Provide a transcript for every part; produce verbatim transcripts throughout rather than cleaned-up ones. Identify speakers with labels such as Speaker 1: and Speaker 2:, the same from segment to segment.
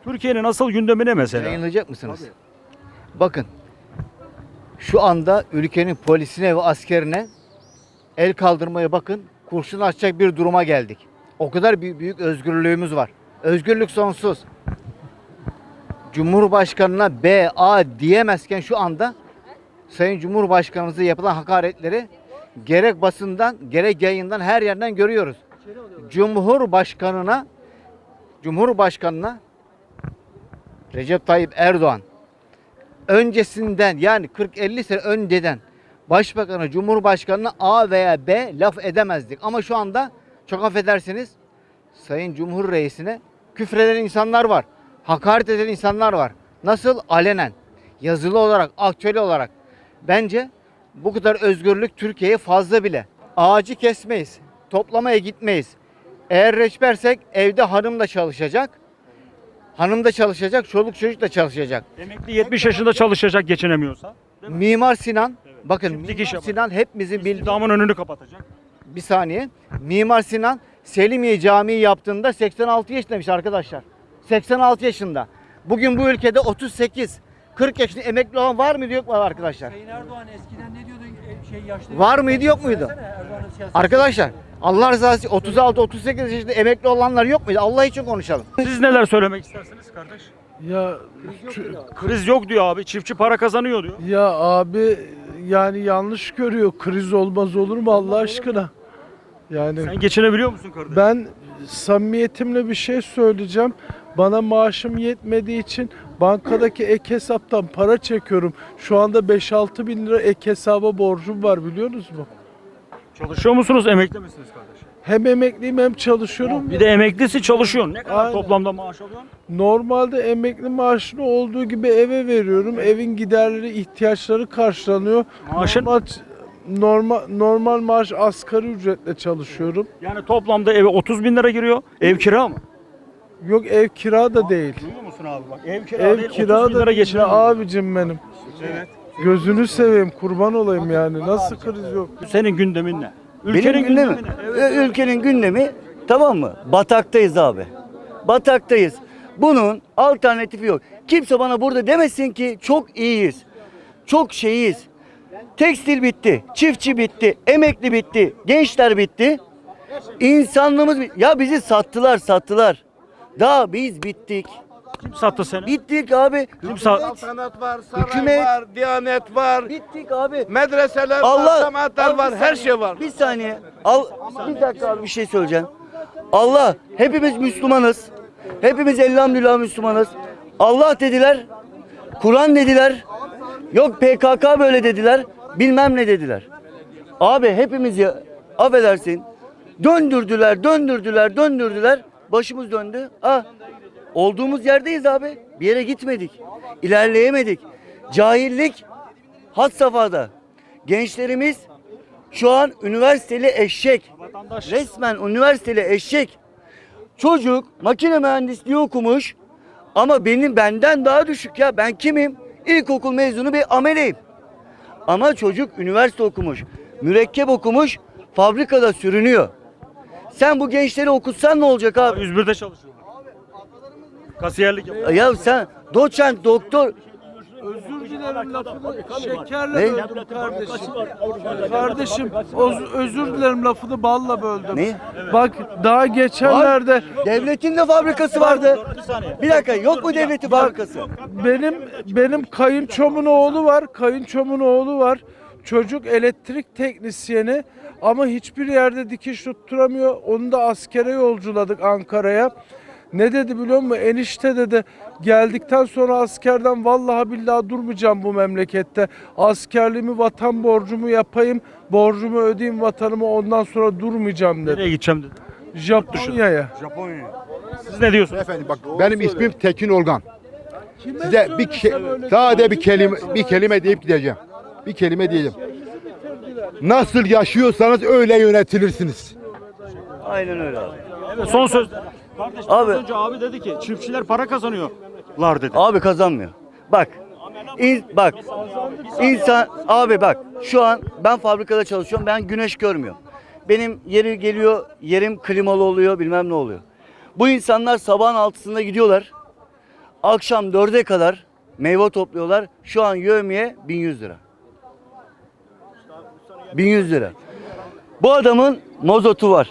Speaker 1: Türkiye'nin asıl gündemi ne mesela?
Speaker 2: Yayınlayacak mısınız? Bakın. Şu anda ülkenin polisine ve askerine el kaldırmaya bakın. Kurşun açacak bir duruma geldik. O kadar büyük, büyük özgürlüğümüz var. Özgürlük sonsuz. Cumhurbaşkanına B, A diyemezken şu anda Sayın Cumhurbaşkanımıza yapılan hakaretleri gerek basından gerek yayından her yerden görüyoruz. Cumhurbaşkanına Cumhurbaşkanına Recep Tayyip Erdoğan öncesinden yani kırk elli sene önceden Başbakanı, Cumhurbaşkanına A veya B laf edemezdik. Ama şu anda çok affedersiniz Sayın Cumhur Reisine küfreden insanlar var. Hakaret eden insanlar var. Nasıl? Alenen. Yazılı olarak, aktüel olarak. Bence bu kadar özgürlük Türkiye'ye fazla bile. Ağacı kesmeyiz. Toplamaya gitmeyiz. Eğer reçbersek evde hanım da çalışacak. Hanım da çalışacak, çoluk çocuk da çalışacak.
Speaker 1: Emekli yetmiş yaşında çalışacak geçinemiyorsa.
Speaker 2: Mimar Sinan, bakın
Speaker 1: Çiftlik iş
Speaker 2: Mimar
Speaker 1: yapar.
Speaker 2: Sinan hepimizin bildiği
Speaker 1: İstihdamın önünü kapatacak.
Speaker 2: bir saniye. Mimar Sinan Selimiye Camii yaptığında seksen altı yaşındaymış arkadaşlar. seksen altı yaşında. Bugün bu ülkede otuz sekiz kırk yaşında emekli olan var mıydı yok mu arkadaşlar?
Speaker 3: Sayın Erdoğan eskiden ne diyordu? E, Şey yaşlı.
Speaker 2: Var mıydı yok muydu?
Speaker 3: Söylesene, Erdoğan'ın siyasi-
Speaker 2: Arkadaşlar Allah rızası için otuz altı otuz sekiz yaşında emekli olanlar yok muydu? Allah için konuşalım.
Speaker 1: Siz neler söylemek istersiniz kardeş?
Speaker 4: Ya
Speaker 1: Kriz yok diyor abi. Çiftçi para kazanıyor diyor.
Speaker 4: ya abi yani yanlış görüyor. Kriz olmaz olur mu Allah aşkına? Yani
Speaker 1: Sen geçinebiliyor musun kardeş?
Speaker 4: ben samimiyetimle bir şey söyleyeceğim. Bana maaşım yetmediği için bankadaki ek hesaptan para çekiyorum. Şu anda beş altı bin lira ek hesaba borcum var biliyor musunuz?
Speaker 1: Çalışıyor musunuz? Emekli misiniz kardeş?
Speaker 4: Hem emekliyim hem çalışıyorum.
Speaker 1: Bir de emeklisi çalışıyorsun. Ne kadar
Speaker 4: Aynen.
Speaker 1: toplamda maaş alıyorsun?
Speaker 4: Normalde emekli maaşını olduğu gibi eve veriyorum. Evin giderleri, ihtiyaçları karşılanıyor.
Speaker 1: Maaşın?
Speaker 4: Normal, normal, normal maaş asgari ücretle çalışıyorum.
Speaker 1: Yani toplamda eve otuz bin lira giriyor. Ev kira mı?
Speaker 4: Yok ev kira da değil.
Speaker 1: Duyuyor musun abi bak? Ev kira
Speaker 4: Ev
Speaker 1: değil,
Speaker 4: kira
Speaker 1: otuz bin
Speaker 4: da
Speaker 1: lira
Speaker 4: değil.
Speaker 1: geçiremiyor.
Speaker 4: Abicim benim.
Speaker 1: Evet.
Speaker 4: Gözünü seveyim kurban olayım yani. Nasıl kriz yok?
Speaker 1: Senin gündemin ne?
Speaker 5: Benim gündemi,
Speaker 1: ne? Evet.
Speaker 5: Ö- ülkenin gündemi tamam mı? Bataktayız abi. Bataktayız. Bunun alternatifi yok. Kimse bana burada demesin ki çok iyiyiz. Çok şeyiz. Tekstil bitti, çiftçi bitti, emekli bitti, gençler bitti. İnsanlığımız bitti. Ya bizi sattılar, sattılar. Daha biz bittik.
Speaker 1: Kim sattı seni?
Speaker 5: Bittik abi.
Speaker 1: Kim sattı?
Speaker 6: Saltanat var, saray
Speaker 5: Hükümet-
Speaker 6: var, diyanet var,
Speaker 5: Bittik abi.
Speaker 6: medreseler
Speaker 5: Allah
Speaker 6: var, cemaatler
Speaker 5: Al bir
Speaker 6: var, her
Speaker 5: saniye,
Speaker 6: şey var.
Speaker 5: Bir saniye. Al bir dakika abi bir şey söyleyeceğim. Allah hepimiz Müslümanız. Hepimiz elhamdülillah Müslümanız. Allah dediler. Kur'an dediler. Yok P K K böyle dediler. Bilmem ne dediler. Abi hepimiz ya affedersin. Döndürdüler, döndürdüler, döndürdüler. Başımız döndü. Ah. Olduğumuz yerdeyiz abi. Bir yere gitmedik. İlerleyemedik. Cahillik had safhada. Gençlerimiz şu an üniversiteli eşek.
Speaker 1: Vatandaş.
Speaker 5: Resmen üniversiteli eşek. Çocuk makine mühendisliği okumuş ama benim benden daha düşük ya. Ben kimim? İlkokul mezunu bir ameleyim. Ama çocuk üniversite okumuş. Mürekkep okumuş. Fabrikada sürünüyor. Sen bu gençleri okutsan ne olacak abi?
Speaker 1: yüz birde çalışıyorlar. Kasiyerlik yapıyor.
Speaker 5: Ya sen doçent, doktor
Speaker 4: Özür dilerim lafını şekerle
Speaker 5: Ne?
Speaker 4: böldüm kardeşim. Kardeşim öz- özür dilerim lafını balla böldüm.
Speaker 5: Ne?
Speaker 4: Bak daha geçenlerde
Speaker 5: devletin de fabrikası vardı. Bir dakika yok mu devletin fabrikası?
Speaker 4: benim benim kayınçomun oğlu var. Kayınçomun oğlu var. Çocuk elektrik teknisyeni ama hiçbir yerde dikiş tutturamıyor. Onu da askere yolculadık Ankara'ya. Ne dedi biliyor musun? Enişte dedi geldikten sonra askerden vallahi billahi durmayacağım bu memlekette. Askerliğimi vatan borcumu yapayım. Borcumu ödeyeyim vatanıma ondan sonra durmayacağım dedi.
Speaker 1: Nereye gideceğim dedi.
Speaker 4: Japonya'ya.
Speaker 1: Japonya'ya. Siz ne diyorsunuz?
Speaker 7: Efendim bak benim ismim Tekin Olgan.
Speaker 4: Kime
Speaker 7: Size bir şey,
Speaker 4: söylesem öyle
Speaker 7: sadece bir kelime bir kelime deyip gideceğim. Bir kelime diyeceğim. Nasıl yaşıyorsanız öyle yönetilirsiniz.
Speaker 5: Aynen öyle abi.
Speaker 1: Evet, son söz. Kardeş
Speaker 5: Abi-
Speaker 1: az önce abi dedi ki çiftçiler para kazanıyorlar dedi.
Speaker 5: Abi kazanmıyor. Bak. in- bak. İnsan abi bak şu an ben fabrikada çalışıyorum. Ben güneş görmüyorum. Benim yeri geliyor, yerim klimalı oluyor, bilmem ne oluyor. Bu insanlar sabahın altısında gidiyorlar. Akşam dörde kadar meyve topluyorlar. Şu an yevmiye bin yüz lira. bin yüz lira. Bu adamın mozotu var.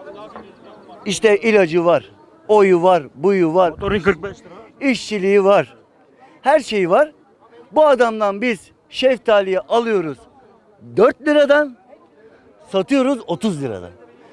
Speaker 5: İşte ilacı var. Oyu var, buyu var.
Speaker 1: Motorun kırk beş lira.
Speaker 5: İşçiliği var. Her şeyi var. Bu adamdan biz şeftaliyi alıyoruz dört liradan, satıyoruz otuz liradan.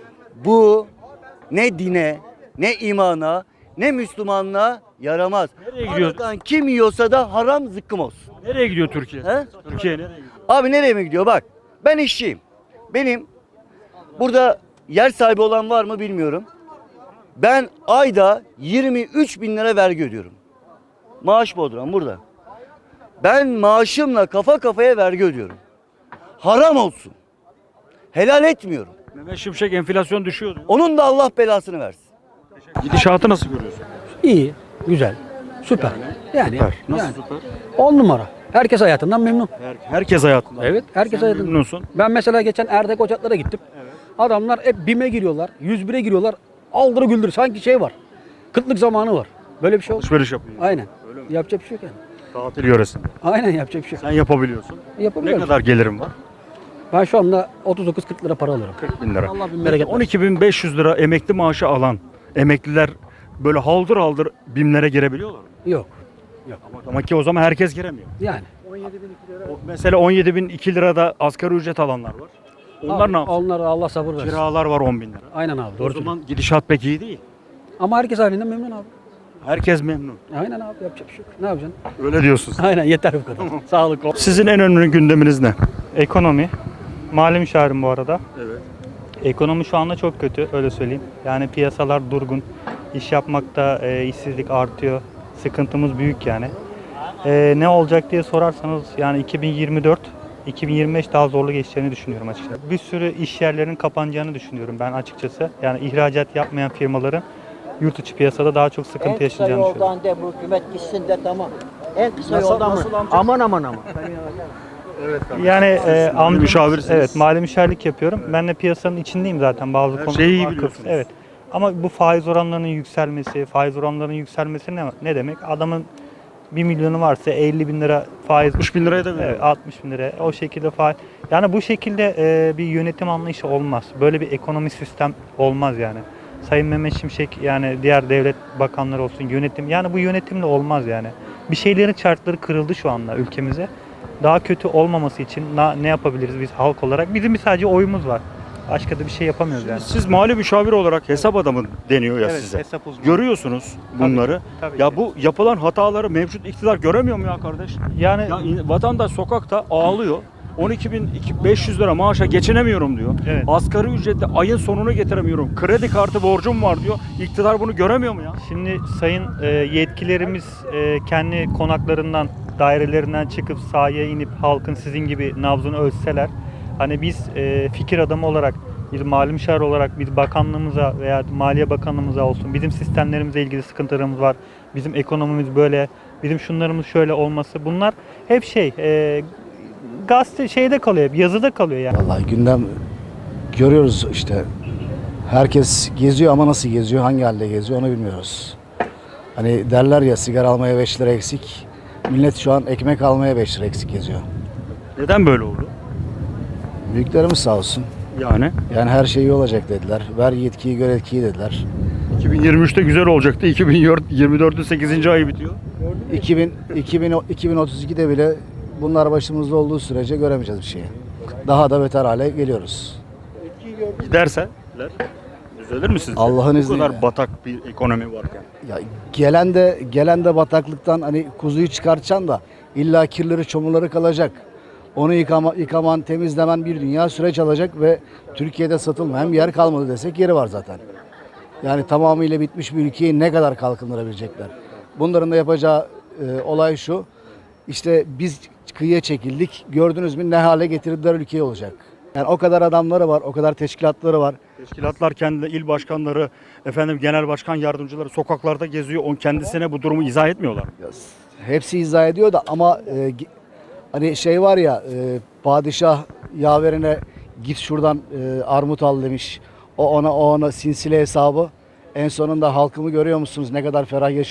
Speaker 5: Bu ne dine, ne imana, ne Müslümanlığa yaramaz.
Speaker 1: Nereye gidiyor?
Speaker 5: Aradan kim yiyorsa da haram zıkkım olsun.
Speaker 1: Nereye gidiyor Türkiye?
Speaker 5: He?
Speaker 1: Türkiye nereye gidiyor?
Speaker 5: Abi nereye mi gidiyor? Bak ben işçiyim. Benim burada yer sahibi olan var mı bilmiyorum. Ben ayda yirmi üç bin lira vergi ödüyorum. Maaş bodrum burada. Ben maaşımla kafa kafaya vergi ödüyorum. Haram olsun. Helal etmiyorum.
Speaker 1: Mehmet Şimşek enflasyon düşüyor diyor.
Speaker 5: Onun da Allah belasını versin.
Speaker 1: Gidişatı nasıl görüyorsun?
Speaker 8: İyi, güzel, süper. Yani,
Speaker 1: Nasıl
Speaker 8: yani
Speaker 1: süper?
Speaker 8: on numara. Herkes hayatından memnun.
Speaker 1: Her- herkes hayatında.
Speaker 8: Evet, herkes
Speaker 1: Sen
Speaker 8: hayatından.
Speaker 1: memnunsun.
Speaker 8: Ben mesela geçen Erdek Ocaklar'a gittim. Adamlar hep BİM'e giriyorlar, yüz bire giriyorlar. Aldırı güldür. Sanki şey var. Kıtlık zamanı var. Böyle bir şey oldu.
Speaker 1: Alışveriş yapıyor.
Speaker 8: Aynen. Yapacak bir şey yok yani.
Speaker 1: Tatil yöresinde.
Speaker 8: Aynen yapacak bir şey yok.
Speaker 1: Sen yapabiliyorsun. Ne
Speaker 8: Yapabiliyorum.
Speaker 1: kadar gelirim var?
Speaker 8: Ben şu anda otuz dokuz kırk lira para alıyorum.
Speaker 1: kırk bin lira.
Speaker 8: Allah bin bereket versin.
Speaker 1: on iki bin beş yüz lira emekli maaşı alan emekliler böyle haldır haldır BİM'lere girebiliyorlar mı?
Speaker 8: Yok.
Speaker 1: Ama, ama ki o zaman herkes giremiyor.
Speaker 8: Yani.
Speaker 1: O, mesela on yedi bin iki lirada asgari ücret alanlar var. Onlar
Speaker 8: Abi,
Speaker 1: ne yapsın?
Speaker 8: Onlara Allah sabır versin.
Speaker 1: Kiralar var on bin lira.
Speaker 8: Aynen abi.
Speaker 1: O
Speaker 8: Doğru.
Speaker 1: zaman gidişat pek iyi değil.
Speaker 8: Ama herkes halinden memnun abi.
Speaker 1: Herkes memnun.
Speaker 8: Aynen abi yapacak bir şey yok. Ne yapacaksın?
Speaker 1: Öyle diyorsun.
Speaker 8: Aynen yeter bu kadar. Sağlık ol.
Speaker 1: Sizin en önemli gündeminiz ne?
Speaker 9: Ekonomi. Mali müşavirim bu arada.
Speaker 1: Evet.
Speaker 9: Ekonomi şu anda çok kötü, öyle söyleyeyim. Yani piyasalar durgun. İş yapmakta e, işsizlik artıyor. Sıkıntımız büyük yani. E, ne olacak diye sorarsanız yani iki bin yirmi dört iki bin yirmi beş daha zorlu geçeceğini düşünüyorum açıkçası. Bir sürü iş yerlerinin kapanacağını düşünüyorum ben açıkçası. Yani ihracat yapmayan firmaların yurt içi piyasada daha çok sıkıntı
Speaker 10: En kısa
Speaker 9: yaşayacağını düşünüyorum.
Speaker 10: yoldan de bu hükümet gitsin de tamam. En kısa yoldan mı? Aman aman aman.
Speaker 9: Yani e, amcam-
Speaker 1: müşavirsiniz.
Speaker 9: evet, mali müşavirlik yapıyorum. Ben de piyasanın içindeyim zaten bazı
Speaker 1: Her
Speaker 9: konularda.
Speaker 1: şeyi iyi
Speaker 9: vakıf.
Speaker 1: biliyorsunuz.
Speaker 9: Evet. Ama bu faiz oranlarının yükselmesi, faiz oranlarının yükselmesi ne, ne demek? Adamın bir milyonu varsa elli bin lira faiz.
Speaker 1: altmış bin liraya da veriyor.
Speaker 9: Evet, altmış bin lira. O şekilde faiz. Yani bu şekilde e, bir yönetim anlayışı olmaz. Böyle bir ekonomi sistem olmaz yani. Sayın Mehmet Şimşek yani diğer devlet bakanları olsun yönetim. Yani bu yönetimle olmaz yani. Bir şeylerin çarkları kırıldı şu anda ülkemize. Daha kötü olmaması için na- ne yapabiliriz biz halk olarak? Bizim bir sadece oyumuz var. Başka da bir şey yapamıyoruz yani.
Speaker 1: Siz mali müşavir olarak hesap adamı deniyor ya
Speaker 9: Evet,
Speaker 1: size.
Speaker 9: hesap uzmanı.
Speaker 1: Görüyorsunuz bunları.
Speaker 9: Tabii
Speaker 1: Ya
Speaker 9: ki.
Speaker 1: bu yapılan hataları mevcut iktidar göremiyor mu ya kardeş?
Speaker 9: Yani
Speaker 1: Ya in- vatandaş sokakta ağlıyor. on iki bin beş yüz lira maaşa geçinemiyorum diyor.
Speaker 9: Evet.
Speaker 1: Asgari ücretle ayın sonunu getiremiyorum. Kredi kartı borcum var diyor. İktidar bunu göremiyor mu ya?
Speaker 9: şimdi sayın e, yetkililerimiz e, kendi konaklarından, dairelerinden çıkıp sahaya inip halkın sizin gibi nabzını ölçseler, hani biz e, fikir adamı olarak, bir mali müşavir olarak biz bakanlığımıza veya Maliye Bakanlığımıza olsun, bizim sistemlerimizle ilgili sıkıntılarımız var, bizim ekonomimiz böyle, bizim şunlarımız şöyle olması, bunlar hep şey, e, gazete şeyde kalıyor, hep yazıda kalıyor yani.
Speaker 11: Vallahi gündem görüyoruz işte. Herkes geziyor ama nasıl geziyor, hangi halde geziyor onu bilmiyoruz. Hani derler ya sigara almaya beş lira eksik. Millet şu an ekmek almaya beş lira eksik geziyor.
Speaker 1: Neden böyle oldu?
Speaker 11: Büyüklerimiz sağ olsun.
Speaker 1: Yani
Speaker 11: Yani her şey iyi olacak dediler. Ver yetkiyi gör etkiyi dediler.
Speaker 1: iki bin yirmi üçte güzel olacaktı. iki bin yirmi dörtün sekizinci ayı bitiyor.
Speaker 11: iki bin, iki bin, iki bin otuz ikide bile bunlar başımızda olduğu sürece göremeyeceğiz bir şeyi. Daha da beter hale geliyoruz.
Speaker 1: Giderse düzelir mi sizce?
Speaker 11: Allah'ın
Speaker 1: Bu
Speaker 11: izniyle.
Speaker 1: kadar batak bir ekonomi varken.
Speaker 11: Ya gelen de gelen de bataklıktan hani kuzuyu çıkartacaksın da illa kirleri çamurları kalacak. Onu yıkama, yıkaman, temizlemen bir dünya süreç alacak ve Türkiye'de satılmayan bir yer kalmadı desek yeri var zaten. Yani tamamıyla bitmiş bir ülkeyi ne kadar kalkındırabilecekler? Bunların da yapacağı e, olay şu. İşte biz kıyıya çekildik. Gördünüz mü ne hale getirdiler ülkeyi olacak. Yani o kadar adamları var, o kadar teşkilatları var.
Speaker 1: Teşkilatlar kendi il başkanları, efendim genel başkan yardımcıları sokaklarda geziyor. On kendisine bu durumu izah etmiyorlar.
Speaker 11: Hepsi izah ediyor da ama e, gi- hani şey var ya e, padişah yaverine git şuradan e, armut al demiş. O ona o ona sinsile hesabı. En sonunda halkımı görüyor musunuz ne kadar ferah yaşıyor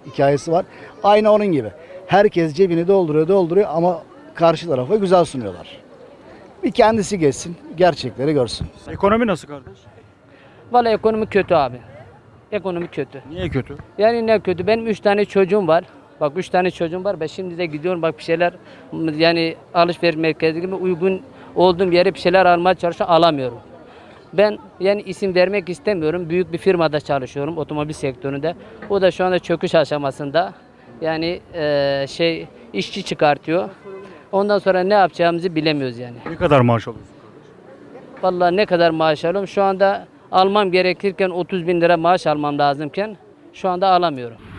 Speaker 11: hikayesi var. Aynı onun gibi. Herkes cebini dolduruyor dolduruyor ama karşı tarafa güzel sunuyorlar. Bir kendisi geçsin, gerçekleri görsün.
Speaker 1: Ekonomi nasıl kardeş?
Speaker 10: Vallahi ekonomi kötü abi. Ekonomi kötü.
Speaker 1: Niye kötü?
Speaker 10: Yani ne kötü? Benim üç tane çocuğum var. Bak üç tane çocuğum var. Ben şimdi de gidiyorum bak bir şeyler yani alışveriş merkezi gibi uygun olduğum yere bir şeyler almaya çalışıyorum. Alamıyorum. Ben yani isim vermek istemiyorum. Büyük bir firmada çalışıyorum otomobil sektöründe. O da şu anda çöküş aşamasında. Yani eee, şey işçi çıkartıyor. Ondan sonra ne yapacağımızı bilemiyoruz yani.
Speaker 1: Ne kadar maaş alıyorsun?
Speaker 10: Vallahi ne kadar maaş alıyorum? Şu anda almam gerekirken otuz bin lira maaş almam lazımken şu anda alamıyorum.